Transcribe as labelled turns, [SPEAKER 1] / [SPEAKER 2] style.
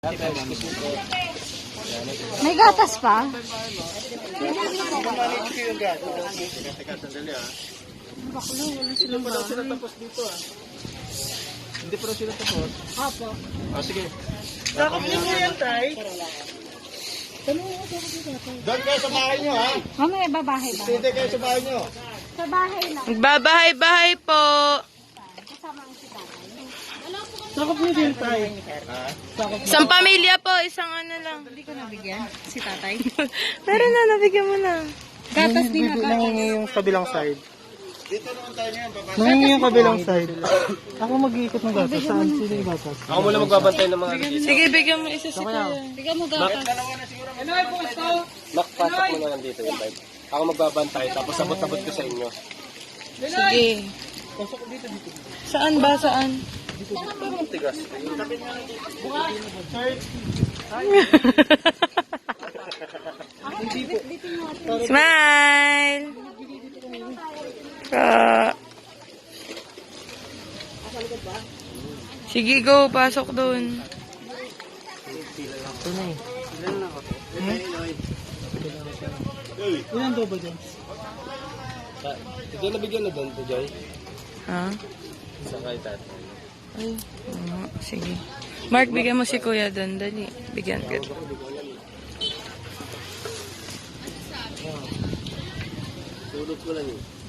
[SPEAKER 1] May gatas pa?
[SPEAKER 2] Teka, sandali ah.
[SPEAKER 1] Baklo, wala silang
[SPEAKER 2] Hindi pa daw sila tapos dito ah. Hindi pa daw sila tapos.
[SPEAKER 1] Apo.
[SPEAKER 2] Ah, sige.
[SPEAKER 3] Sakop niyo po yan, Tay.
[SPEAKER 2] Doon kayo sa bahay nyo ha.
[SPEAKER 1] Mamaya babahay ba?
[SPEAKER 2] Hindi kayo sa bahay nyo.
[SPEAKER 1] Sa bahay lang.
[SPEAKER 4] Magbabahay-bahay po.
[SPEAKER 1] Kasama ang si tatay.
[SPEAKER 3] Sakop niyo din, Tay.
[SPEAKER 4] Isang pamilya po, isang ano lang.
[SPEAKER 1] Hindi ko nabigyan si tatay.
[SPEAKER 4] Pero na, nabigyan mo na.
[SPEAKER 1] Gatas din na
[SPEAKER 3] Nangingi yung kabilang side.
[SPEAKER 2] Dito naman tayo ngayon. Baba.
[SPEAKER 3] Nangingi yung kabilang side. Ako mag-iikot ng gatas. Saan sila yung gatas?
[SPEAKER 2] Ako muna magbabantay ng mga
[SPEAKER 4] Sige, bigyan mo isa si Kuya.
[SPEAKER 1] Bigyan mo gatas.
[SPEAKER 2] Makpasok mo na lang dito yung vibe. Ako magbabantay tapos sabot-sabot ko sa inyo.
[SPEAKER 4] Sige. Saan ba? Saan?
[SPEAKER 2] Tigas.
[SPEAKER 4] Smile! Sige, go. Pasok doon.
[SPEAKER 3] Ilan daw ba dyan?
[SPEAKER 2] Hindi nabigyan na doon to Joy.
[SPEAKER 4] Ha?
[SPEAKER 2] Sa kay tatay.
[SPEAKER 4] Ay, sige. Mark, bigyan mo si Kuya doon. Dali. Bigyan ka.
[SPEAKER 2] Tulog ko lang yun.